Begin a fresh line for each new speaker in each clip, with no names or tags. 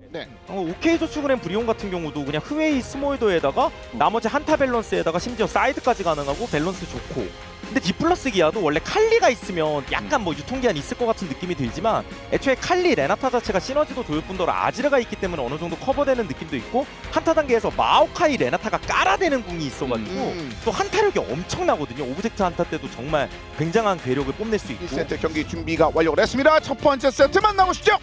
네.
OK 저축은행 브리온 같은 경우도 그냥 흐웨이 스몰더에다가 나머지 한타 밸런스에다가 심지어 사이드까지 가능하고 밸런스 좋고, 근데 디플러스 기아도 원래 칼리가 있으면 약간 뭐 유통기한이 있을 것 같은 느낌이 들지만 애초에 칼리 레나타 자체가 시너지도 좋을 뿐더러 아지르가 있기 때문에 어느 정도 커버되는 느낌도 있고, 한타 단계에서 마오카이 레나타가 깔아대는 궁이 있어가지고 또 한타력이 엄청나거든요. 오브젝트 한타 때도 정말 굉장한 괴력을 뽐낼 수 있고.
1세트 경기 준비가 완료가 됐습니다. 첫 번째 세트 만나보시죠.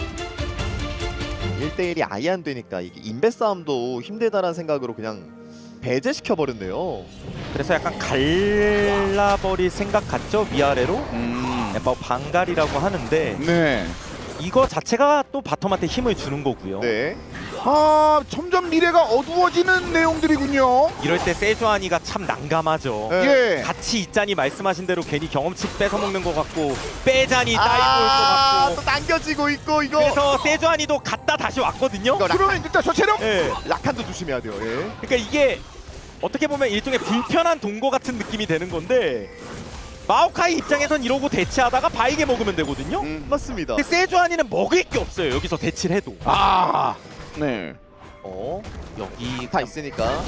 1대1이 아예 안 되니까 이게 인베 싸움도 힘들다라는 생각으로 그냥 배제시켜 버렸네요.
그래서 약간 갈라버릴 생각 같죠? 위아래로 뭐 방갈이라고 하는데
네.
이거 자체가 또 바텀한테 힘을 주는 거고요.
네.
아, 점점 미래가 어두워지는 내용들이군요.
이럴 때 세주아니가 참 난감하죠.
예.
같이 있자니 말씀하신 대로 괜히 경험치 뺏어먹는 것 같고 빼자니 따이고 올 것 같고.
또 당겨지고 있고 이거.
그래서 세주아니도 갔다 다시 왔거든요.
이거
그러면 일단 저 체력.
예.
라칸도 조심해야 돼요. 예.
그러니까 이게 어떻게 보면 일종의 불편한 동거 같은 느낌이 되는 건데, 마오카이 입장에선 이러고 대치하다가 바이게 먹으면 되거든요.
맞습니다.
근데 세주아니는 먹을 게 없어요. 여기서 대치를 해도.
아, 네.
여기
다 있으니까.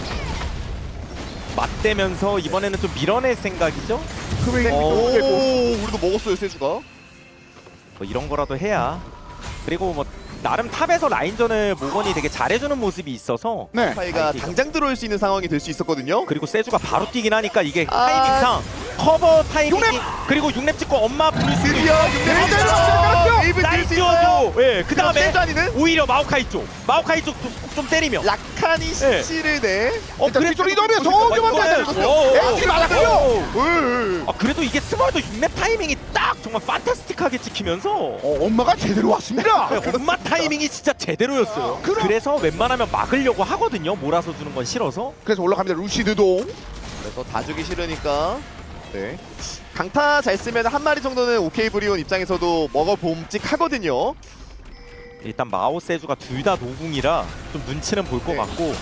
맞대면서 이번에는 좀 밀어낼 생각이죠.
그러면
오,
이거
우리도 먹었어요 세주가.
뭐 이런 거라도 해야. 그리고 뭐 나름 탑에서 라인전을 모건이 되게 잘해주는 모습이 있어서.
네.
파이가
아이디가.
당장 들어올 수 있는 상황이 될 수 있었거든요.
그리고 세주가 바로 뛰긴 하니까 이게 타이밍상 커버 타이밍이, 그리고 6렙 찍고 엄마 부를 수도 있고. 라인 띄워줘. 예, 그 다음에
세주아니는
오히려 마오카이 쪽 좀 때리면.
라칸이 CC를 내.
일단 뒤쪽으로 이동하면서 소규모만 에이티 맞았고요.
그래도 이게 스몰도 6렙 타이밍이 딱 정말 판타스틱하게 찍히면서
엄마가 제대로 왔습니다.
네, 엄마 타이밍이 진짜 제대로였어요. 그래서 웬만하면 막으려고 하거든요. 몰아서 주는 건 싫어서.
그래서 올라갑니다. 루시드도.
그래서 다 주기 싫으니까. 네. 강타 잘 쓰면 한 마리 정도는 오케이 브리온 입장에서도 먹어봄직하거든요.
일단 마오 세주가 둘 다 노궁이라 좀 눈치는 볼 것
네.
같고,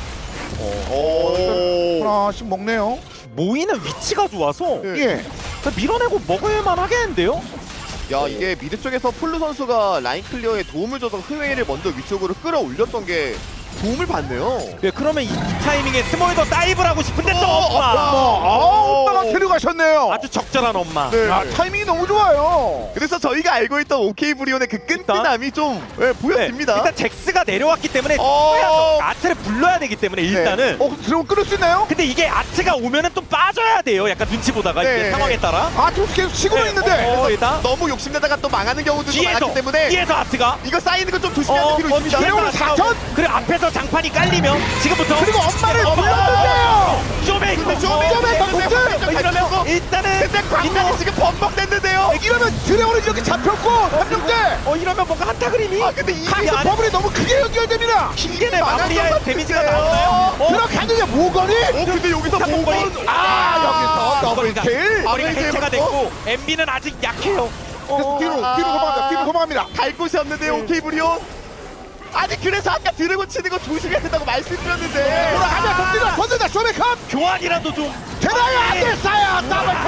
오.
하나씩 먹네요.
모이는 위치가 좋아서
네.
예.
밀어내고 먹을만 하겠는데요?
야 이게 미드 쪽에서 폴루 선수가 라인 클리어에 도움을 줘서 흐웨이를 먼저 위쪽으로 끌어올렸던 게 도움을 받네요.
네, 그러면 이 타이밍에 스몰더 다이브를 하고 싶은데 또 엄마!
엄마가 데려가셨네요.
아주 적절한 엄마.
네.
야, 타이밍이 너무 좋아요.
그래서 저희가 알고 있던 오케이 브리온의 그 끈끈함이 좀 보여집니다.
일단 잭스가 내려왔기 때문에
어.
아트를 불러야 되기 때문에 일단은.
드럼 끊을 수 있나요?
근데 이게 아트가 오면은 또 빠져야 돼요. 약간 눈치 보다가
네.
이게 상황에 따라.
아, 투스 계속 치고는 있는데.
일단
너무 욕심내다가 또 망하는 경우들도 많았기 때문에
뒤에서 아트가
이거 쌓이는 거 좀 조심해야 될 필요 있습니다.
뒤에서 사선?
그리고 앞에서 장판이 깔리면 지금부터
그리고 엄마를 불렀는데요.
쇼메이커 이러면 일단은
근데 광란이 지금 범벅됐는데요.
이러면 드래곤이 이렇게 잡혔고 3명째.
이러면 뭔가 한타 그림이
근데 이
카이사 버블이 너무 크게 연결됩니다.
킹겐의 마무리할 데미지가 나오나요?
들어가느냐 모건이?
근데 여기서 모건
여기서 더블킬.
머리가 해체가 됐고 MB는 아직 약해요.
그래서 뒤로 도망갑니다. 뒤로 도망갑니다.
갈 곳이 없는데요. 오케이 브리온. 아니 그래서 아까 드래곤 치는 거 조심해야 된다고 말씀드렸는데
돌아가면 던진다 쇼메컵.
교환이라도 좀
대단히 안 됐어요.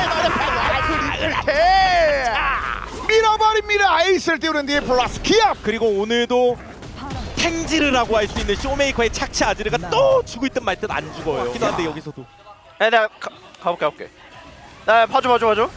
더블킬. 밀어버립니다. 에이스를 띄우는 뒤에 플러스 기압.
그리고 오늘도 탱지르라고 할 수 있는 쇼메이커의 착취 아지르가 또 죽을 듯 말 듯 안 죽어요. 기도 한데 여기서도.
내가 가볼게. 나 봐줘. 봐줘.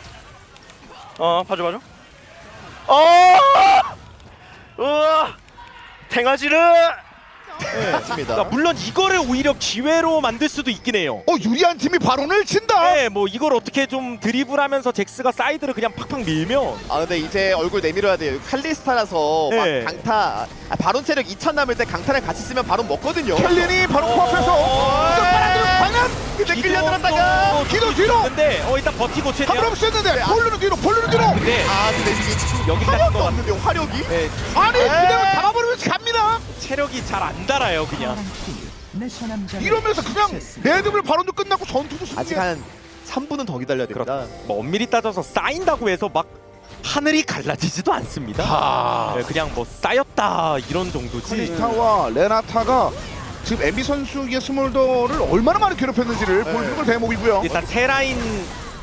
우와, 탱아지르.
맞습니다.
그러니까 물론 이거를 오히려 기회로 만들 수도 있긴 해요.
유리한 팀이 발언을 친다.
네, 뭐 이걸 어떻게 좀 드리블하면서 잭스가 사이드를 그냥 팍팍 밀면.
근데 이제 얼굴 내밀어야 돼요. 칼리스타라서
네.
막 강타 바론 체력 2000 남을 때 강타를 같이 쓰면 바론 먹거든요.
켈린이 바로 코앞에서 빨아들은 방향.
근데 끌려들었다가
기도 뒤로.
근데 일단 버티고 최대한.
한번 쓰였는데 폴루는 뒤로.
근데
근데 이게
여기까지
화력도
또
없는데요. 화력이?
네,
아니 그대로 잡아버리면서 갑니다.
체력이 잘 안 달아요 그냥.
이러면서 그냥 레드불 발언도 끝나고 전투도 승리.
아직 한 3분은 더 기다려야 됩니다.
뭐 엄밀히 따져서 쌓인다고 해서 막 하늘이 갈라지지도 않습니다. 네, 그냥 뭐 쌓였다 이런 정도지.
칼리스타와 레나타가 지금 MB 선수의 스몰더를 얼마나 많이 괴롭혔는지를 보여주는 걸 대목이고요.
일단 세 라인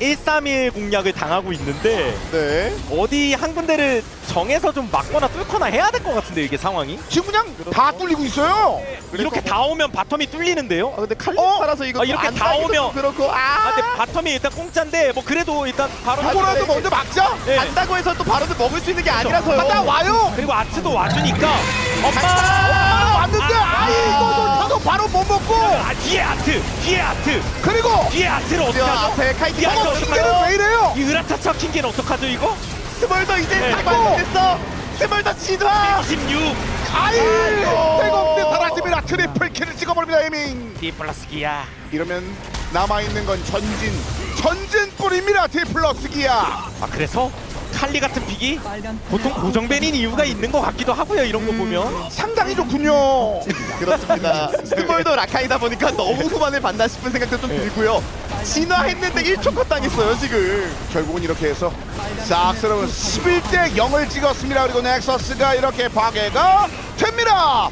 131 공략을 당하고 있는데
네.
어디 한 군데를 정해서 좀 막거나 뚫거나 해야 될 것 같은데 이게 상황이
지금 그냥 다 뚫리고 있어요.
이렇게 다 오면 바텀이 뚫리는데요.
아 근데 칼리 팔아서 이거
이렇게
안
다
따기도
오면.
그렇고
근데 바텀이 일단 공짜인데 뭐 그래도 일단 바로
요거라도 먼저 막자.
네.
간다고 해서 또 바로도 먹을 수 있는 게 아니라서요.
갔다 와요.
그리고 아트도 와주니까
엄마 왔는데 이거 타도 바로 못 먹고.
뒤에 아트
그리고
뒤에 아트를 어떻게
저
하죠?
앞에 카이팅
야,
하고
이거
킹게는 왜 이래요?
이 으라차차 킹게는 어떡하죠 이거?
스몰더 이제
네.
다 됐어. 스몰더 진화.
26
태국대 사라집니다. 트리플 킬을 찍어버립니다. 에밍.
디플러스 기아.
이러면 남아있는 건 전진뿐입니다. 디플러스 기아.
아 그래서 칼리 같은 픽이 보통 고정밴인 이유가 있는 것 같기도 하고요 이런 거 보면.
상당히 좋군요.
그렇습니다. 스몰더 라카이다 보니까 너무 후반을 봤나 싶은 생각도 좀 들고요. 진화했는데 1초 컷 당했어요 지금.
결국은 이렇게 해서 싹스러운 11대 0을 찍었습니다. 그리고 넥서스가 이렇게 파괴가 됩니다.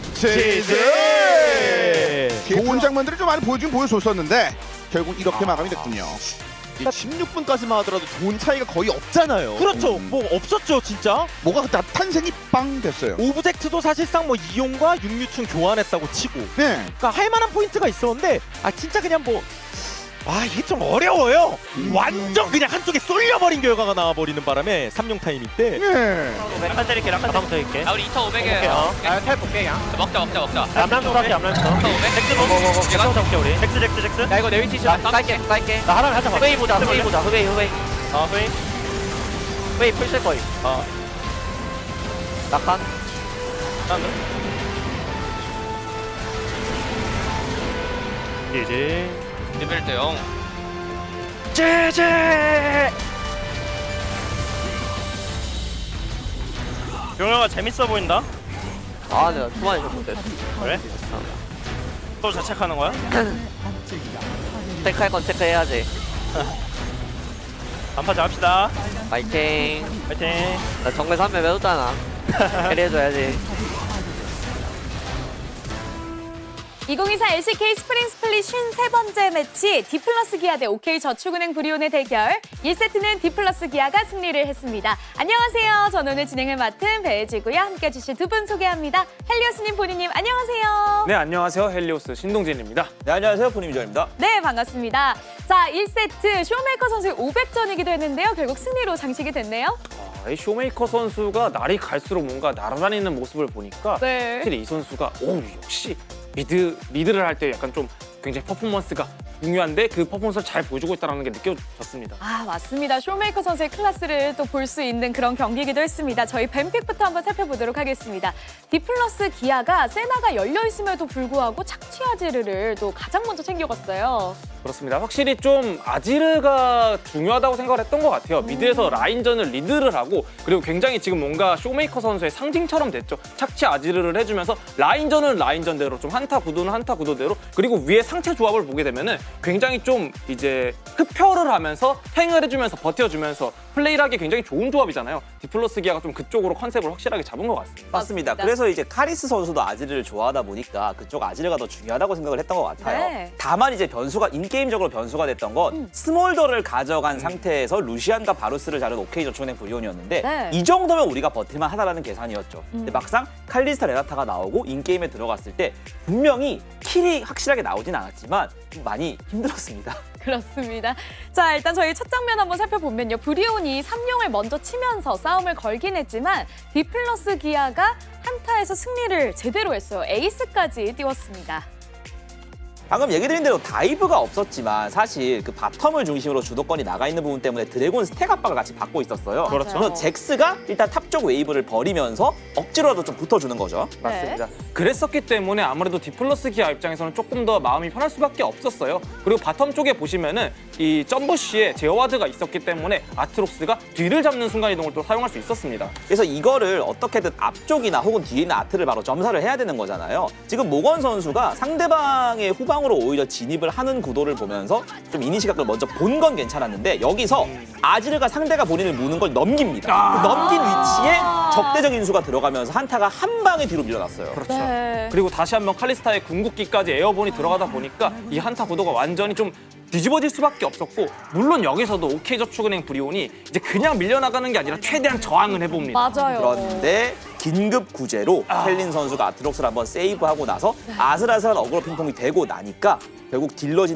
좋은 장면들을 좀 많이 보여줬었는데 결국 이렇게 마감이 됐군요.
16분까지만 하더라도 돈 차이가 거의 없잖아요.
그렇죠. 뭐 없었죠 진짜.
뭐가 다 탄생이 빵 됐어요.
오브젝트도 사실상 뭐 이용과 육류충 교환했다고 치고.
네.
그러니까 할 만한 포인트가 있었는데 진짜 그냥 뭐. 이게 좀 어려워요. 완전 그냥 한쪽에 쏠려버린 결과가 나와버리는 바람에 3용 타이밍 때.
네.
라칸 때릴게 라칸 때릴게.
우리 2,500이에요.
텔 볼게 그냥.
먹자.
암람도 갈게 암람도.
2,500.
잭스 먹어. 잭스 잡게 우리. 잭스.
야 이거 내 위치 좀 깔게.
나 하나 하자.
후웨이 보자. 후웨이.
웨이 풀쓸 거임. 라칸.
이제
레벨 때 0.
제제. 용영아 재밌어 보인다.
내가 초반에 좀 못했어.
그래? 또 자책하는 거야?
체크할 건 체크해야지.
안파자 합시다.
파이팅.
파이팅.
나 정글 3매 매웠잖아. 캐리해줘야지.
2024 LCK 스프링 스플릿 53번째 매치 디플러스 기아 대 OK저축은행 브리온의 대결 1세트는 디플러스 기아가 승리를 했습니다. 안녕하세요. 저는 오늘 진행을 맡은 배혜지고요. 함께 해주실 두 분 소개합니다. 헬리오스님, 본인님 안녕하세요.
네, 안녕하세요. 헬리오스 신동진입니다.
네, 안녕하세요. 분임이전입니다.
네, 반갑습니다. 자, 1세트 쇼메이커 선수의 500전이기도 했는데요. 결국 승리로 장식이 됐네요.
이 쇼메이커 선수가 날이 갈수록 뭔가 날아다니는 모습을 보니까
네.
확실히 이 선수가 역시 리드를 할 때 약간 좀 굉장히 퍼포먼스가 중요한데 그 퍼포먼스를 잘 보여주고 있다는 게 느껴졌습니다.
맞습니다. 쇼메이커 선수의 클래스를 또 볼 수 있는 그런 경기이기도 했습니다. 저희 뱀픽부터 한번 살펴보도록 하겠습니다. 디플러스 기아가 세나가 열려있음에도 불구하고 착취 아지르를 또 가장 먼저 챙겨갔어요.
그렇습니다. 확실히 좀 아지르가 중요하다고 생각을 했던 것 같아요. 미드에서 라인전을 리드를 하고 그리고 굉장히 지금 뭔가 쇼메이커 선수의 상징처럼 됐죠. 착취 아지르를 해주면서 라인전은 라인전대로 좀 한타 구도는 한타 구도대로 그리고 위에 상체 조합을 보게 되면은 굉장히 좀 이제 흡혈을 하면서 탱을 해주면서 버텨주면서 플레이를 하기 굉장히 좋은 조합이잖아요. 디플러스 기아가 좀 그쪽으로 컨셉을 확실하게 잡은 것 같습니다.
맞습니다. 그래서 이제 카리스 선수도 아지르를 좋아하다 보니까 그쪽 아지르가 더 중요하다고 생각을 했던 것 같아요.
네.
다만 이제 인게임적으로 변수가 됐던 건 스몰더를 가져간 상태에서 루시안과 바루스를 자른 OK저축은행 브리온이었는데
네.
이 정도면 우리가 버틸만 하다라는 계산이었죠. 근데 막상 칼리스타 레나타가 나오고 인게임에 들어갔을 때 분명히 킬이 확실하게 나오진 않았지만 좀 많이 힘들었습니다.
그렇습니다. 자, 일단 저희 첫 장면 한번 살펴보면요. 브리온이 3용을 먼저 치면서 싸움을 걸긴 했지만 디플러스 기아가 한타에서 승리를 제대로 했어요. 에이스까지 띄웠습니다.
방금 얘기 드린 대로 다이브가 없었지만 사실 그 바텀을 중심으로 주도권이 나가 있는 부분 때문에 드래곤 스택 압박을 같이 받고 있었어요.
그렇죠.
그래서 잭스가 일단 탑 쪽 웨이브를 버리면서 억지로라도 좀 붙어주는 거죠.
맞습니다. 그랬었기 때문에 아무래도 디플러스 기아 입장에서는 조금 더 마음이 편할 수밖에 없었어요. 그리고 바텀 쪽에 보시면은 이 점버쉬에 제어와드가 있었기 때문에 아트록스가 뒤를 잡는 순간이동을 또 사용할 수 있었습니다.
그래서 이거를 어떻게든 앞쪽이나 혹은 뒤에 있는 아트를 바로 점사를 해야 되는 거잖아요. 지금 모건 선수가 상대방의 후방으로 오히려 진입을 하는 구도를 보면서 좀 이니시각을 먼저 본 건 괜찮았는데 여기서 아지르가 상대가 본인을 무는 걸 넘깁니다. 그 넘긴 위치에 적대적 인수가 들어가면서 한타가 한 방에 뒤로 밀려났어요.
그렇죠.
네.
그리고 다시 한번 칼리스타의 궁극기까지 에어본이 들어가다 보니까 이 한타 구도가 완전히 좀 뒤집어질 수밖에 없었고, 물론 여기서도 OK저축은행 브리온이 이제 그냥 밀려나가는 게 아니라 최대한 저항을 해봅니다.
맞아요.
그런데 긴급 구제로 켈린 선수가 아트록스를 한번 세이브하고 나서 아슬아슬한 어그로 핑퐁이 되고 나니까 결국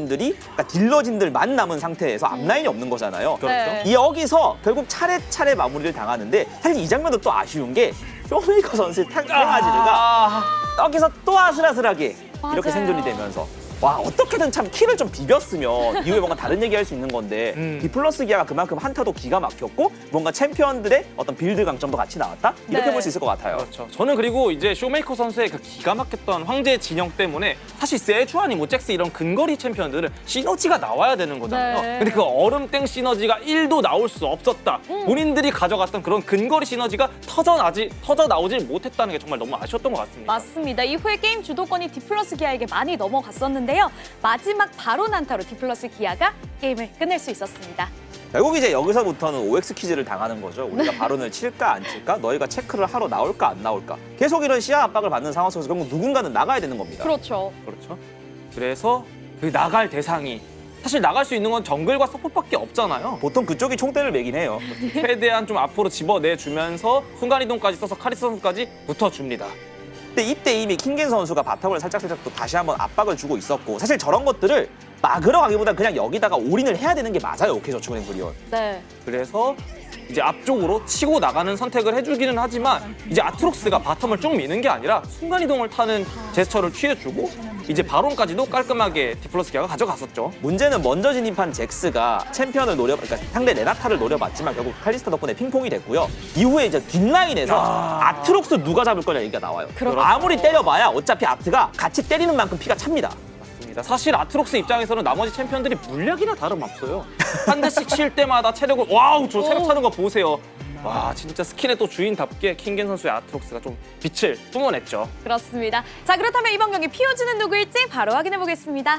딜러진들만 남은 상태에서 앞라인이 없는 거잖아요.
네.
여기서 결국 차례차례 마무리를 당하는데, 사실 이 장면도 또 아쉬운 게 쇼메이커 선수의 탱아지르가 여기서 또 아슬아슬하게 이렇게
맞아요.
생존이 되면서, 와, 어떻게든 참 킬을 좀 비볐으면 이후에 뭔가 다른 얘기 할 수 있는 건데 디플러스 기아가 그만큼 한타도 기가 막혔고 뭔가 챔피언들의 어떤 빌드 강점도 같이 나왔다? 이렇게
네.
볼 수 있을 것 같아요.
그렇죠. 저는 그리고 이제 쇼메이커 선수의 그 기가 막혔던 황제 진영 때문에 사실 세주아니 뭐 잭스 이런 근거리 챔피언들은 시너지가 나와야 되는 거잖아요.
네.
근데 그 얼음땡 시너지가 1도 나올 수 없었다. 본인들이 가져갔던 그런 근거리 시너지가 터져 나오질 못했다는 게 정말 너무 아쉬웠던 것 같습니다.
맞습니다. 이후에 게임 주도권이 디플러스 기아에게 많이 넘어갔었는데요. 마지막 바로 난타로 디플러스 기아가 게임을 끝낼 수 있었습니다.
결국 이제 여기서부터는 OX 퀴즈를 당하는 거죠. 우리가 발언을 칠까 안 칠까? 너희가 체크를 하러 나올까 안 나올까? 계속 이런 시야 압박을 받는 상황 속에서 결국 누군가는 나가야 되는 겁니다.
그렇죠.
그렇죠. 그래서 그 나갈 대상이 사실 나갈 수 있는 건 정글과 서폿밖에 없잖아요.
보통 그쪽이 총대를 매긴 해요.
최대한 좀 앞으로 집어내주면서 순간이동까지 써서 카리스 선수까지 붙어줍니다.
근데 이때 이미 킹겐 선수가 바텀을 살짝 또 다시 한번 압박을 주고 있었고, 사실 저런 것들을 막으러 가기보다 그냥 여기다가 올인을 해야 되는 게 맞아요. OK저축은행 브리온.
네.
그래서 이제 앞쪽으로 치고 나가는 선택을 해주기는 하지만 이제 아트록스가 바텀을 쭉 미는 게 아니라 순간이동을 타는 제스처를 취해주고 이제 바론까지도 깔끔하게 디플러스 기아가 가져갔었죠.
문제는 먼저 진입한 잭스가 챔피언을 그러니까 상대 레나타를 노려봤지만 결국 칼리스타 덕분에 핑퐁이 됐고요. 이후에 이제 뒷라인에서 아트록스 누가 잡을 거냐 얘기가 나와요.
그렇죠.
아무리 때려봐야 어차피 아트가 같이 때리는 만큼 피가 찹니다.
사실 아트록스 입장에서는 나머지 챔피언들이 물약이나 다름없어요. 한 대씩 칠 때마다 체력을, 와우, 저 체력 차는 거 보세요. 와, 진짜 스킨의 또 주인답게 킹겐 선수의 아트록스가 좀 빛을 뿜어냈죠.
그렇습니다. 자, 그렇다면 이번 경기 피오즈는 누구일지 바로 확인해 보겠습니다.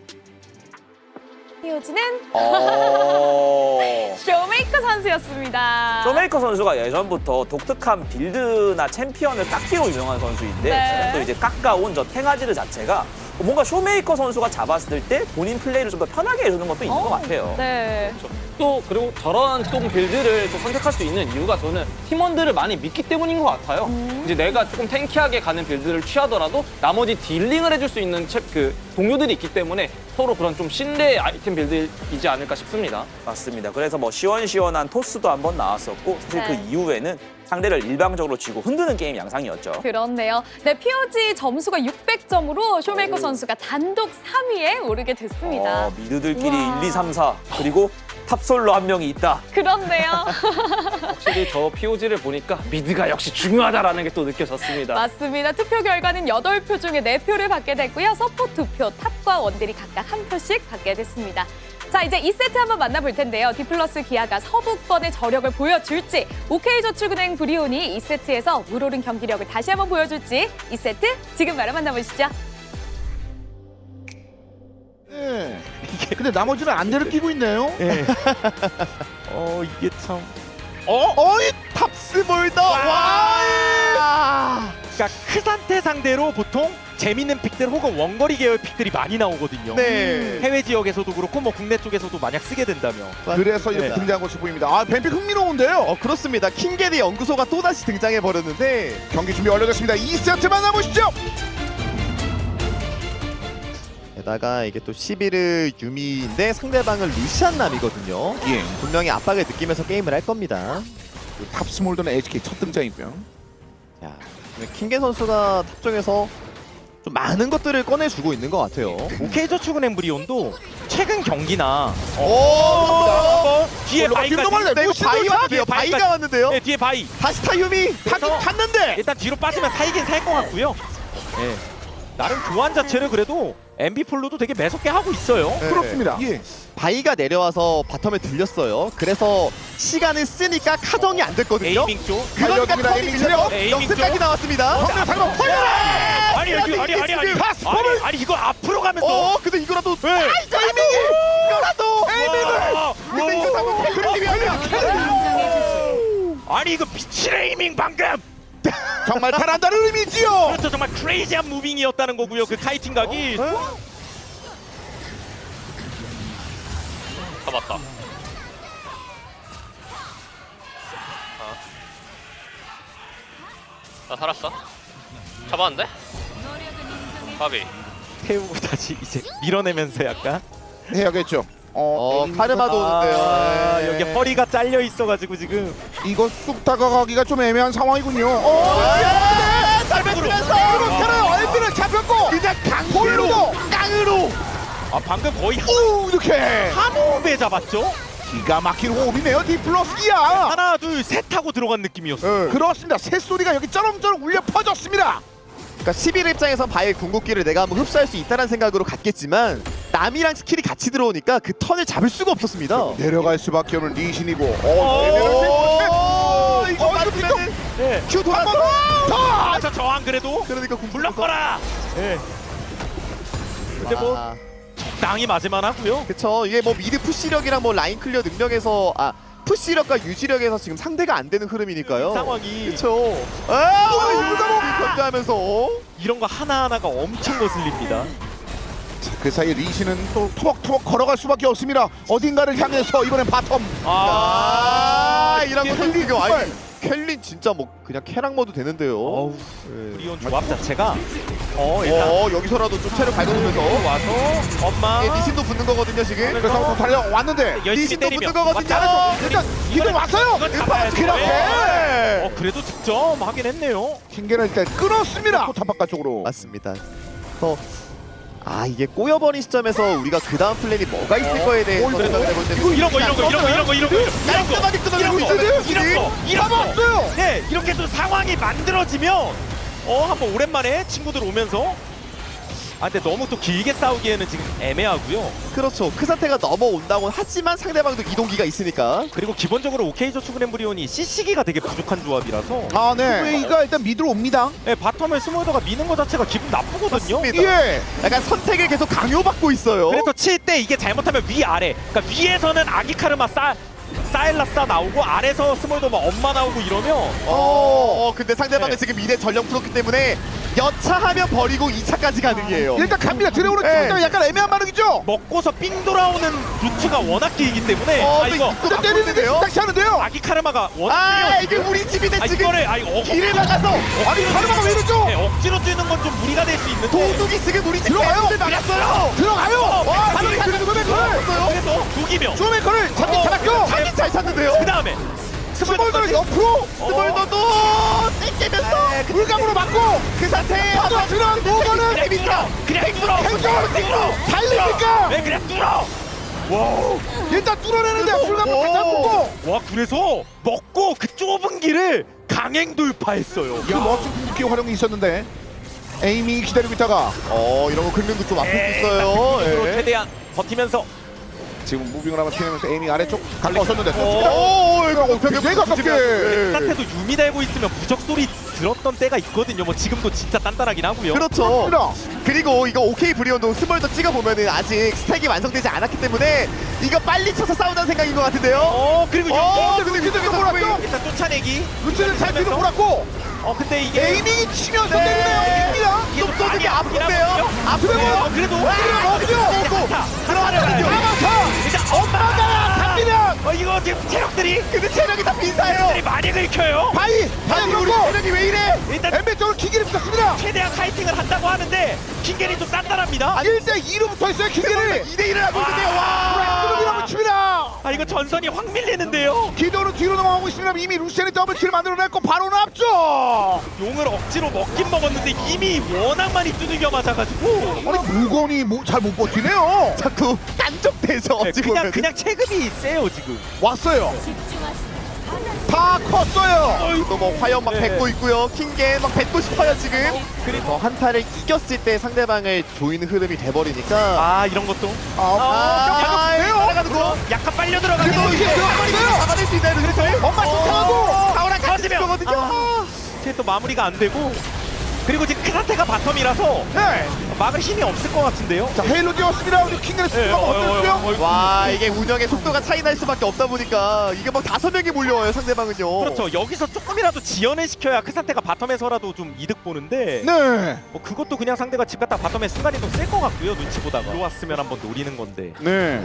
피오즈는 쇼메이커 선수였습니다.
쇼메이커 선수가 예전부터 독특한 빌드나 챔피언을 깎기로 유명한 선수인데,
네.
또 이제 깎아온 저 탱아지르 자체가 뭔가 쇼메이커 선수가 잡았을 때 본인 플레이를 좀 더 편하게 해주는 것도 있는 것 같아요.
네.
또 그리고 저런 좀 빌드를 또 선택할 수 있는 이유가 저는 팀원들을 많이 믿기 때문인 것 같아요. 이제 내가 조금 탱키하게 가는 빌드를 취하더라도 나머지 딜링을 해줄 수 있는 그 동료들이 있기 때문에 서로 그런 좀 신뢰의 아이템 빌드이지 않을까 싶습니다.
맞습니다. 그래서 뭐 시원시원한 토스도 한번 나왔었고, 사실
네.
그 이후에는 상대를 일방적으로 쥐고 흔드는 게임 양상이었죠.
그렇네요. 네, POG 점수가 600점으로 쇼메이커 선수가 단독 3위에 오르게 됐습니다.
미드들끼리
우와.
1, 2, 3, 4 그리고 탑솔로 한 명이 있다.
그렇네요.
확실히 저 POG를 보니까 미드가 역시 중요하다라는 게 또 느껴졌습니다.
맞습니다. 투표 결과는 8표 중에 4표를 받게 됐고요. 서포 2표, 탑과 원딜이 각각 1표씩 받게 됐습니다. 자, 이제 2세트 한번 만나볼 텐데요. 디플러스 기아가 서부권의 저력을 보여줄지, OK저축은행 브리온이 2세트에서 물오른 경기력을 다시 한번 보여줄지 2세트 지금 바로 만나보시죠.
네. 근데 나머지는 안대를 끼고 있네요.
이게 참.
어이 탑스볼더. 와.
그러니까 크산테 상대로 보통 재밌는 픽들 혹은 원거리 계열 픽들이 많이 나오거든요.
네.
해외 지역에서도 그렇고 뭐 국내 쪽에서도 만약 쓰게 된다면.
그래서 이렇게 등장한 것이 보입니다. 아, 뱀픽 흥미로운데요.
그렇습니다. 킹겐의 연구소가 또다시 등장해버렸는데
경기 준비 완료됐습니다. 2세트 만나보시죠.
게다가 이게 또 11을 유미인데 상대방은 루시안 남이거든요.
예.
분명히 압박을 느끼면서 게임을 할 겁니다.
탑스몰더는 HK 첫 등장이고요.
자, 킹겐 선수가 탑 쪽에서 좀 많은 것들을 꺼내주고 있는 것 같아요.
OK저축은행 브리온도 최근 경기나
오!
뒤에 바이까지.
네, 이거 바이 왔는데요. 바이가 왔는데요.
네, 뒤에 바이.
다시 타유미 탔는데.
일단 뒤로 빠지면 살긴 살 것 같고요. 네. 나름 교환 자체를 그래도 MB폴로도 되게 매섭게 하고 있어요.
네.
그렇습니다. 예.
바이가 내려와서 바텀에 들렸어요. 그래서 시간을 쓰니까 카정이 안 됐거든요.
에이밍 쪽.
그러니까
달려듭니다.
턴이
에이밍
들려.
에이밍
역습까지
쪽.
나왔습니다.
잠깐만.
아니 아니 이거 앞으로 가면서.
근데 이거라도
네.
에이밍이 이거라도
와,
근데 이거
와,
방금 캐롤님이 아니라
아니 이거 미친 에이밍 방금.
정말 잘한다는 의미지요.
그렇죠. 정말 크레이지한 무빙이었다는 거고요. 그 카이팅 각이.
잡았다. 나 살았어. 잡았는데? 바비.
태우고 다시 이제 밀어내면서 약간
해야겠죠.
카르마도 오는데요.
아,
네.
여기 허리가 잘려 있어가지고 지금
이거 쑥 다가가기가 좀 애매한 상황이군요.
잘 뱉으면서
그렇잖아요. 얼비를 잡혔고 그냥 강골로 깡으로.
아 방금 거의
오 이렇게
한 호흡에 잡았죠.
기가 막힌 호흡이네요. 디플러스기야.
하나 둘 셋 하고 들어간 느낌이었어요.
그렇습니다. 새소리가 여기 쩌렁쩌렁 울려 퍼졌습니다.
그러니까 11 입장에선 바의 궁극기를 내가 한번 흡수할 수 있다는 생각으로 갔겠지만 남이랑 스킬이 같이 들어오니까 그 턴을 잡을 수가 없었습니다.
내려갈 수밖에 없는 리신이고.
이거 맞으면은
네.
큐 돌았어.
아, 저 저항 그래도
그러니까 궁
불렀거라. 예. 근데 뭐
아,
적당히 맞을만 하고요.
그쵸. 이게 뭐 미드 푸시력이랑 뭐 라인 클리어 능력에서 푸시력과 유지력에서 지금 상대가 안 되는 흐름이니까요.
상황이
그쵸. 아, 견제하면서
이런 거 하나하나가 엄청 거슬립니다.
그 사이 리신은 또 토벅토벅 걸어갈 수밖에 없습니다. 어딘가를 향해서 이번엔 바텀.
이런 거 켈리가 아니 켈린 진짜 뭐 그냥 캐락 모드 되는데요.
어우,
네.
브리온 조합 자체가 일단
여기서라도 좀 체력 밟아주면서
와서 엄마
이게 리신도 붙는 거거든요 지금.
그래서 한번 달려왔는데
열심히
리신도
때리며
붙는 거거든요.
일단 기도 왔어요.
이건 잡아야 돼.
그렇게
그래도 득점 하긴 했네요.
킹게를 일단 끊었습니다. 포탑 바깥쪽으로.
맞습니다. 이게 꼬여버린 시점에서 우리가 그 다음 플랜이 뭐가 있을 거에 대해서 생각을 해볼 때는
이런 거
깔끔하게 끊어내고 있잖아요.
잡았어요.
네, 이렇게 또 상황이 만들어지면 한번 오랜만에 친구들 오면서 근데 너무 또 길게 싸우기에는 지금 애매하고요.
그렇죠. 그 상태가 넘어온다고 하지만 상대방도 이동기가 있으니까.
그리고 기본적으로 OK저축은 엠브리온이 CC기가 되게 부족한 조합이라서
네. 웨이가 일단 미드로 옵니다.
네, 바텀을 스몰더가 미는 것 자체가 기분 나쁘거든요.
맞습니다.
예.
약간 선택을 계속 강요받고 있어요.
그래서 칠 때 이게 잘못하면 위아래, 그러니까 위에서는 아기카르마 사일라사 나오고 아래서 스몰더가 엄마 나오고 이러면
근데 상대방은
네.
지금 2대 전령 풀었기 때문에 여차하면 버리고 2차까지 가능해요.
일단 갑니다. 들어오는
네.
팀 때문에 약간 애매한 반응이죠.
먹고서 삥 돌아오는 루트가 워낙 길기 때문에 이거
일단 때리는데 다시 하는데요.
아기카르마가 워낙
이게 우리 집인데 지금
이거를
길을 막아서
아니 카르마가 왜 이러죠?
네, 억지로 뛰는 건 좀 무리가 될 수 있는데
도둑이 지금 우리 집
들어가요.
을 막았어요.
들어가요. 바로
네.
그래도 쇼메이커를
그래서 두기명
쇼메이커를 잡았죠.
자기 잘 찾는데요.
그 다음에
스몰더를 옆으로
스몰더도 땡기면서
물감으로 맞고
그 상태에
들어간 노거는
그냥 뚫어
행정으로 뛰고 달립니까?
왜 그냥 뚫어
일단 뚫어내는데 물감으로 다시 한번
와 그래서 먹고 그 좁은 길을 강행 돌파했어요.
그 멋진 궁극기 활용이 있었는데 에이미 기다리고 있다가
이런 거 긁는 거 좀 아플 수 있어요.
으로
예.
최대한 버티면서
지금 무빙을 한번 피하면서 에이미 아래쪽 갈라섰는데
이거
되게 가깝게
딴때도 유미 달고 있으면 부적 소리 들었던 때가 있거든요. 뭐 지금도 진짜 단단하긴 하고요.
그렇죠. 그리고 이거 OK 브리온도 스몰더 찍어보면은 아직 스택이 완성되지 않았기 때문에 이거 빨리 쳐서 싸우자는 생각인 것 같은데요.
그리고
근데 기도 몰았죠?
일단 쫓아내기.
루치는 잘 기도 몰았고
근데 이게
에이밍이 치면서 때리네요. 이깁니다.
좀 쏘는 아픈데요?
아프네요. 그래도
들어가는
일단 엄마가
갑니다.
이거 지금 체력들이
근데 체력이 다 비싸요.
많이 긁혀요.
바이
우리
그리고
체력이 왜 이래?
일단
엠베 쪽으로 킹게를 붙였습니다.
최대한 카이팅을 한다고 하는데 킹겔이 좀 단단합니다.
1대2로 붙어있어요. 킹게를
2대1을 하고 있는데요.
와 칩니다.
이거 전선이 확 밀리는데요.
기도는 뒤로 넘어가고 있습니다. 이미 루시안이 더블킬을 만들어냈고 바로는 앞쪽.
용을 억지로 먹긴 먹었는데 이미 워낙 많이 두들겨 맞아가지고
아니 무건이 잘 못 버티네요.
자꾸 깐족대죠. 어찌 보면.
그냥 체급이 세요 지금.
왔어요. 다 컸어요.
또 뭐 화염 막
네.
뱉고 있고요. 킹게 막 뱉고 싶어요 지금. 그리고 한타를 이겼을 때 상대방을 조이는 흐름이 돼버리니까.
이런 것도
따라가는 거.
약간 빨려 들어가는
그래도 이게 들어갔어요.
잡아낼 수 있나요? 그래서
엄마 쫓아가고
가오랑 같이
터지면.
거거든요.
또 마무리가 안 되고 그리고 지금 크산테가 바텀이라서
네.
막을 힘이 없을 것 같은데요.
자 헤일로 뛰었습니다. 우리 킹의 수가 어땠고요?
와 이게 운영의 속도가 차이 날 수밖에 없다 보니까 이게 막 5명이 몰려와요 상대방은요.
그렇죠. 여기서 조금이라도 지연을 시켜야 크산테가 바텀에서라도 좀 이득 보는데
네.
뭐 그것도 그냥 상대가 집 갔다 바텀에 순간이동 쓸 것 같고요. 눈치 보다가 들어왔으면 한번 노리는 건데.
네.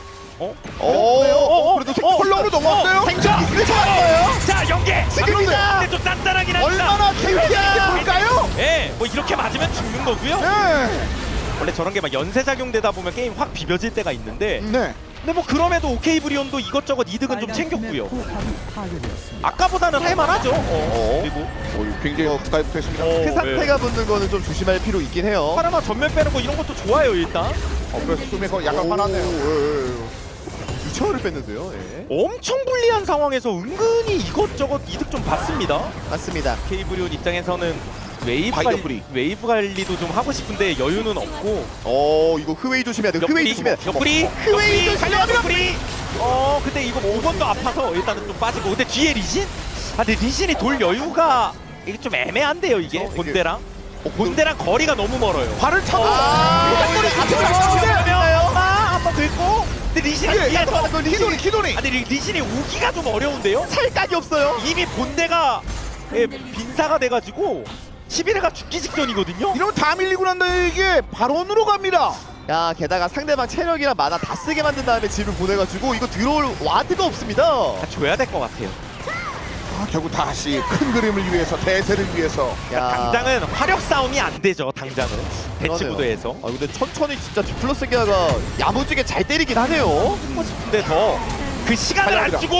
어?
그래도 컬러로 넘어왔어요.
생존 있을 것 같아요.
자 연계!
지금이다.
근데 좀 단단하긴 합니다.
얼마나 재밌게 볼까요?
예, 뭐 이렇게 맞으면 죽는 거고요.
네.
원래 저런 게 막 연쇄 작용되다 보면 게임 확 비벼질 때가 있는데
네.
근데 뭐 그럼에도 오케이 브리온도 이것저것 이득은 좀 챙겼고요. 아까보다는 할만하죠. 그리고
굉장히 가까이 붙어있습니다.
그 상태가 붙는 거는 좀 조심할 필요 있긴 해요.
파라마 전면 빼는 거 이런 것도 좋아요 일단.
그래서 쇼메이커 약간 화났네요.
유차를 뺐는데요. 예.
엄청 불리한 상황에서 은근히 이것저것 이득 좀 받습니다.
맞습니다.
오케이 브리온 입장에서는
바이더브리.
웨이브 관리도 좀 하고 싶은데 여유는 없고.
이거 흐웨이 조심해야 돼요. 흐웨이 조심해야 돼요.
옆구리
흐웨이
달려갑니다. 옆구리. 근데 이거 5번도 아파서 일단은 좀 빠지고. 근데 뒤에 리신? 근데 리신이 돌 여유가 이게 좀 애매한데요 이게 본대랑. 본대랑 거리가 너무 멀어요.
발을 차고
옆구리 같이
가시나요?
한번 긁고. 근데 리신이 뒤에서
키도니.
근데 리신이 오기가 좀 어려운데요?
찰각이 없어요.
이미 본대가 빈사가 돼가지고 11회가 죽기 직전이거든요.
이러면 다 밀리고 난 다음에 이게 발언으로 갑니다.
야 게다가 상대방 체력이랑 만화 다 쓰게 만든 다음에 집을 보내가지고 이거 들어올 와드가 없습니다.
다 줘야 될 것 같아요.
결국 다시 큰 그림을 위해서 대세를 위해서.
당장은 화력 싸움이 안 되죠. 당장은 대치
그러네요.
구도에서.
근데 천천히 진짜 디플러스 기아가 야무지게 잘 때리긴 하네요.
근데 더 그 시간을 안 주고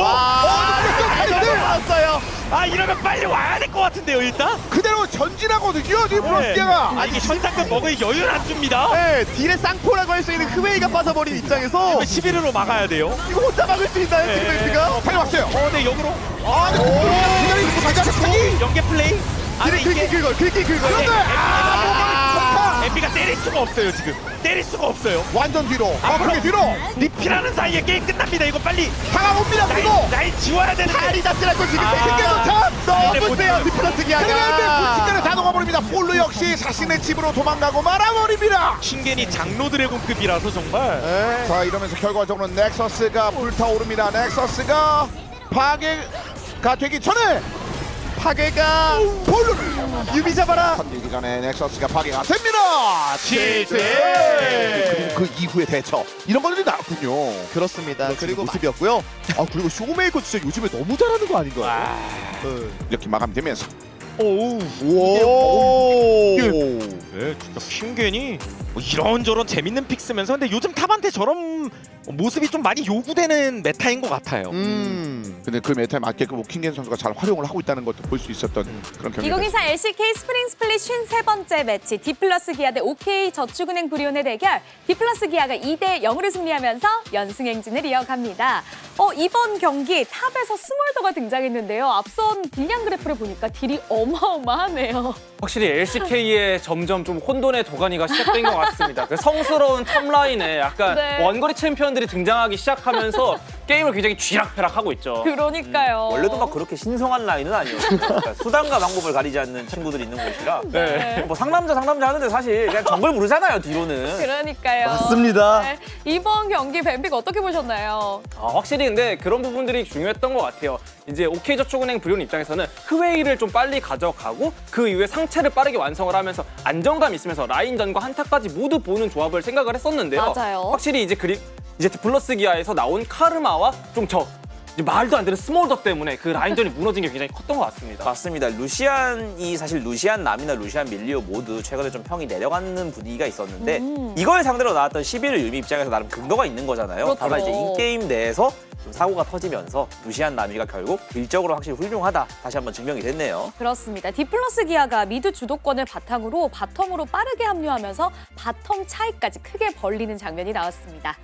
나왔어요.
이러면 빨리 와야 될 것 같은데요 일단.
그대로 전진하거든요. 디플러스기아가.
이게 현상금 먹을 여유를 안 줍니다.
네, 딜의 쌍포라고 할 수 있는 흐웨이가 빠져버린 입장에서
11회로 막아야 돼요.
이거 혼자 막을 수 있나요,
네.
지금 멘트가?
달려왔어요.
네 역으로.
기다리 있고 가자.
연계 플레이.
긁기 긁어요.
엠비가 때릴 수가 없어요 지금. 때릴 수가 없어요.
완전 뒤로. 크게 뒤로.
리필하는 사이에 게임 끝납니다. 이거 빨리
다가옵니다. 그리고
날 지워야 되는데.
다리 잡지라고 지금
아.
탱크도 너무 세요, 디플러스
그런데
기아가.
불친간에 다 녹아버립니다. 폴로 역시 자신의 집으로 도망가고 말아버립니다.
킹겐이 장로 드래곤급이라서 정말.
네.
자 이러면서 결과적으로 넥서스가 불타오릅니다. 넥서스가 파괴가 되기 전에
파괴가
폴로를
유비 잡아라.
건들기 전에 넥서스가 파괴가 됩니다.
치즈!
그리고 그 이후의 대처 이런 것들이 나왔군요.
그렇습니다. 그리고 모습이었고요. 그리고 쇼메이커 진짜 요즘에 너무 잘하는 거 아닌가요? 네.
이렇게 마감되면서
오우.
오.
네, 진짜 킹겐이 뭐 이런저런 재밌는 픽 쓰면서 근데 요즘 탑한테 저런 모습이 좀 많이 요구되는 메타인 것 같아요.
근데 그 메타에 맞게끔 킹겐 선수가 잘 활용을 하고 있다는 것도 볼 수 있었던 그런 경기.
2024 LCK 스프링 스플릿 53번째 매치 디플러스 기아 대 OK 저축은행 브리온의 대결. 디플러스 기아가 2대 0으로 승리하면서 연승 행진을 이어갑니다. 이번 경기 탑에서 스몰더가 등장했는데요. 앞선 딜량 그래프를 보니까 딜이 어마어마하네요.
확실히 LCK에 점점 좀 혼돈의 도가니가 시작된 것 같습니다. 그 성스러운 탑라인에 약간
네.
원거리 챔피언들이 등장하기 시작하면서 게임을 굉장히 쥐락펴락하고 있죠.
그러니까요.
원래도 막 그렇게 신성한 라인은 아니었어요. 그러니까 수단과 방법을 가리지 않는 친구들이 있는 곳이라.
네.
뭐 상남자 하는데 사실 그냥 정글 부르잖아요 뒤로는.
그러니까요.
맞습니다.
네. 이번 경기 뱀픽 어떻게 보셨나요?
확실히 근데 그런 부분들이 중요했던 것 같아요. 이제 OK저축은행 브리온 입장에서는 흐웨이를 좀 빨리 가져가고 그 이후에 상체를 빠르게 완성을 하면서 안정감 있으면서 라인전과 한타까지 모두 보는 조합을 생각을 했었는데요.
맞아요.
확실히 이제 디플러스 기아에서 나온 카르마와 좀 이제 말도 안 되는 스몰더 때문에 그 라인전이 무너진 게 굉장히 컸던 것 같습니다.
맞습니다. 루시안이 사실 루시안 남이나 루시안 밀리오 모두 최근에 좀 평이 내려가는 분위기가 있었는데 이걸 상대로 나왔던 11일 유미 입장에서 나름 근거가 있는 거잖아요.
그렇죠.
다만 이제 인게임 내에서 좀 사고가 터지면서 루시안 남이가 결국 딜적으로 확실히 훌륭하다 다시 한번 증명이 됐네요.
그렇습니다. 디플러스 기아가 미드 주도권을 바탕으로 바텀으로 빠르게 합류하면서 바텀 차이까지 크게 벌리는 장면이 나왔습니다.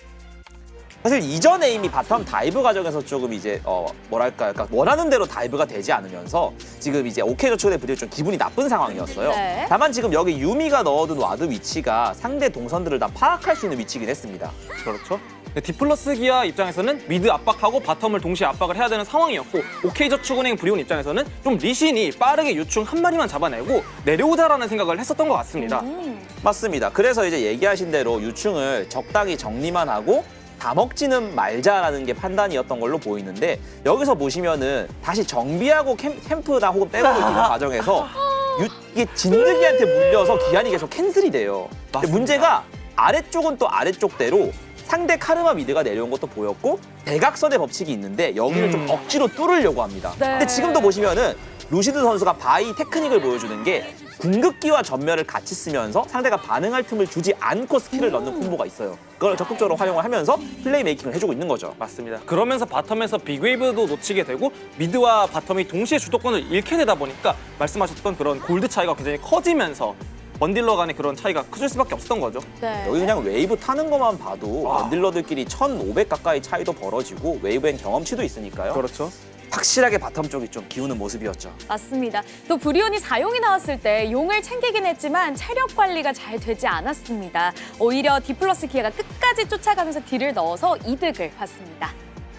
사실 이전에 이미 바텀 다이브 과정에서 조금 이제 뭐랄까 그러니까 원하는 대로 다이브가 되지 않으면서 지금 이제 OK저축은행 브리온이 좀 기분이 나쁜 상황이었어요.
네.
다만 지금 여기 유미가 넣어둔 와드 위치가 상대 동선들을 다 파악할 수 있는 위치긴 했습니다.
그렇죠.
디플러스 기아 입장에서는 미드 압박하고 바텀을 동시에 압박을 해야 되는 상황이었고 OK저축은행 브리온 입장에서는 좀 리신이 빠르게 유충 한 마리만 잡아내고 내려오자라는 생각을 했었던 것 같습니다.
맞습니다. 그래서 이제 얘기하신 대로 유충을 적당히 정리만 하고 다 먹지는 말자라는 게 판단이었던 걸로 보이는데 여기서 보시면은 다시 정비하고 캠프나 혹은 백업을 뛰는 과정에서 이게 진드기한테 물려서 기한이 계속 캔슬이 돼요. 근데 문제가 아래쪽은 또 아래쪽대로 상대 카르마 미드가 내려온 것도 보였고 대각선의 법칙이 있는데 여기를 좀 억지로 뚫으려고 합니다.
네.
근데 지금도 보시면은 루시드 선수가 바이 테크닉을 보여주는 게 궁극기와 전멸을 같이 쓰면서 상대가 반응할 틈을 주지 않고 스킬을 넣는 콤보가 있어요. 그걸 적극적으로 활용을 하면서 플레이 메이킹을 해주고 있는 거죠.
맞습니다. 그러면서 바텀에서 빅웨이브도 놓치게 되고 미드와 바텀이 동시에 주도권을 잃게 되다 보니까 말씀하셨던 그런 골드 차이가 굉장히 커지면서 원딜러 간의 그런 차이가 커질 수밖에 없었던 거죠.
네.
여기 그냥 웨이브 타는 것만 봐도 원딜러들끼리 1500 가까이 차이도 벌어지고 웨이브엔 경험치도 있으니까요.
그렇죠.
확실하게 바텀 쪽이 좀 기우는 모습이었죠.
맞습니다. 또 브리온이 4용이 나왔을 때 용을 챙기긴 했지만 체력 관리가 잘 되지 않았습니다. 오히려 디플러스 기아가 끝까지 쫓아가면서 딜을 넣어서 이득을 봤습니다.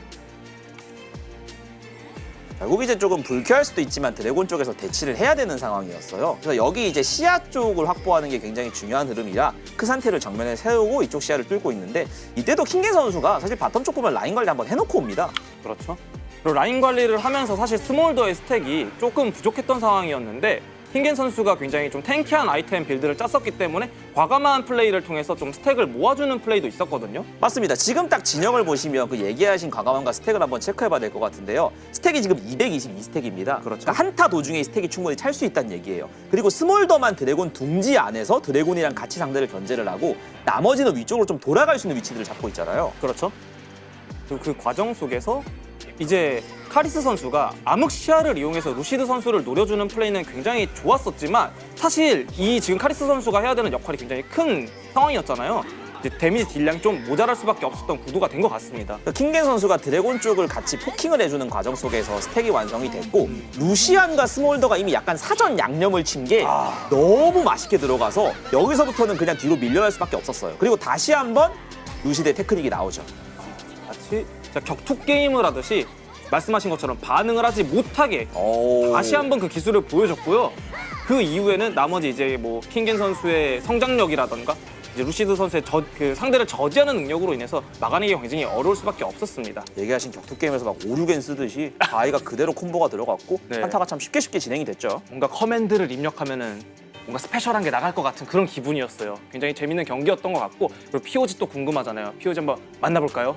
결국 이제 조금 불쾌할 수도 있지만 드래곤 쪽에서 대치를 해야 되는 상황이었어요. 그래서 여기 이제 시야 쪽을 확보하는 게 굉장히 중요한 흐름이라 크산테를 정면에 세우고 이쪽 시야를 뚫고 있는데 이때도 킹겐 선수가 사실 바텀 쪽 보면 라인 관리 한번 해놓고 옵니다.
그렇죠. 그리고 라인 관리를 하면서 사실 스몰더의 스택이 조금 부족했던 상황이었는데 킹겐 선수가 굉장히 좀 탱키한 아이템 빌드를 짰었기 때문에 과감한 플레이를 통해서 좀 스택을 모아주는 플레이도 있었거든요.
맞습니다. 지금 딱 진영을 보시면 그 얘기하신 과감함과 스택을 한번 체크해봐야 될 것 같은데요. 스택이 지금 222스택입니다.
그렇죠.
그러니까 한타 도중에 스택이 충분히 찰 수 있다는 얘기예요. 그리고 스몰더만 드래곤 둥지 안에서 드래곤이랑 같이 상대를 견제를 하고 나머지는 위쪽으로 좀 돌아갈 수 있는 위치들을 잡고 있잖아요.
그렇죠. 그리고 그 과정 속에서 이제 카리스 선수가 암흑 시야를 이용해서 루시드 선수를 노려주는 플레이는 굉장히 좋았었지만 사실 이 지금 카리스 선수가 해야 되는 역할이 굉장히 큰 상황이었잖아요. 이제 데미지 딜량이 좀 모자랄 수밖에 없었던 구도가 된 것 같습니다.
킹겐 선수가 드래곤 쪽을 같이 포킹을 해주는 과정 속에서 스택이 완성이 됐고 루시안과 스몰더가 이미 약간 사전 양념을 친 게 너무 맛있게 들어가서 여기서부터는 그냥 뒤로 밀려날 수밖에 없었어요. 그리고 다시 한번 루시드의 테크닉이 나오죠.
마치 격투 게임을 하듯이 말씀하신 것처럼 반응을 하지 못하게 다시 한번 그 기술을 보여줬고요. 그 이후에는 나머지 이제 뭐 킹겐 선수의 성장력이라던가 이제 루시드 선수의 그 상대를 저지하는 능력으로 인해서 막아내기가 굉장히 어려울 수밖에 없었습니다.
얘기하신 격투 게임에서 막 오류겐 쓰듯이 바이가 그대로 콤보가 들어갔고
네.
한타가 참 쉽게 진행이 됐죠.
뭔가 커맨드를 입력하면은 뭔가 스페셜한 게 나갈 것 같은 그런 기분이었어요. 굉장히 재밌는 경기였던 것 같고 그리고 POG 또 궁금하잖아요. POG 한번 만나볼까요?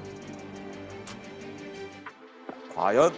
과연?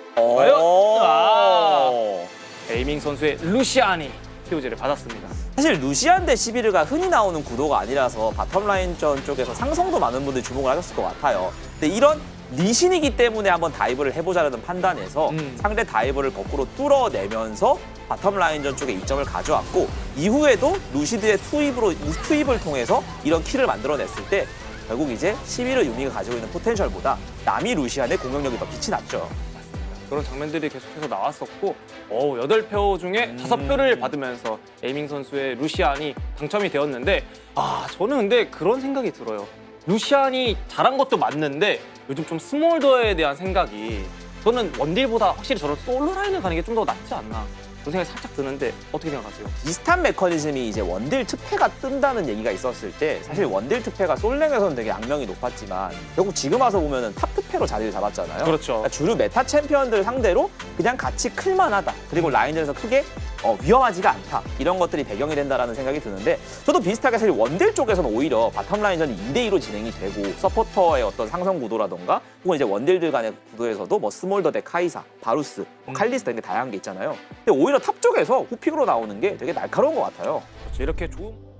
에이밍 선수의 루시안이 POG를 받았습니다.
사실 루시안 대 시비르가 흔히 나오는 구도가 아니라서 바텀 라인전 쪽에서 상성도 많은 분들이 주목을 하셨을 것 같아요. 근데 이런 리신이기 때문에 한번 다이브를 해보자라는 판단에서 상대 다이브를 거꾸로 뚫어내면서 바텀 라인전 쪽에 이점을 가져왔고 이후에도 루시드의 투입을 통해서 이런 킬을 만들어냈을 때 결국 이제 시비르 유미가 가지고 있는 포텐셜보다 남이 루시안의 공격력이 더 빛이 났죠.
그런 장면들이 계속해서 나왔었고 8표 중에 5표를 받으면서 에이밍 선수의 루시안이 당첨이 되었는데 저는 근데 그런 생각이 들어요. 루시안이 잘한 것도 맞는데 요즘 좀 스몰더에 대한 생각이 저는 원딜보다 확실히 저런 솔로 라인을 가는 게 좀 더 낫지 않나 그런 생각이 살짝 드는데 어떻게 생각하세요?
비슷한 메커니즘이 이제 원딜 특패가 뜬다는 얘기가 있었을 때 사실 원딜 특패가 솔랭에서는 되게 악명이 높았지만 결국 지금 와서 보면은 탑 특패로 자리를 잡았잖아요.
그렇죠.
그러니까 주류 메타 챔피언들 상대로 그냥 같이 클만하다. 그리고 라인전에서 크게 위험하지가 않다. 이런 것들이 배경이 된다라는 생각이 드는데 저도 비슷하게 사실 원딜 쪽에서는 오히려 바텀 라인전이 2대2로 진행이 되고 서포터의 어떤 상성 구도라던가 혹은 이제 원딜들 간의 구도에서도 뭐 스몰더 대 카이사, 바루스, 칼리스타 이런 게 다양한 게 있잖아요. 근데 오히려 탑 쪽에서 후픽으로 나오는 게 되게 날카로운 것 같아요.
그렇죠. 이렇게 좋은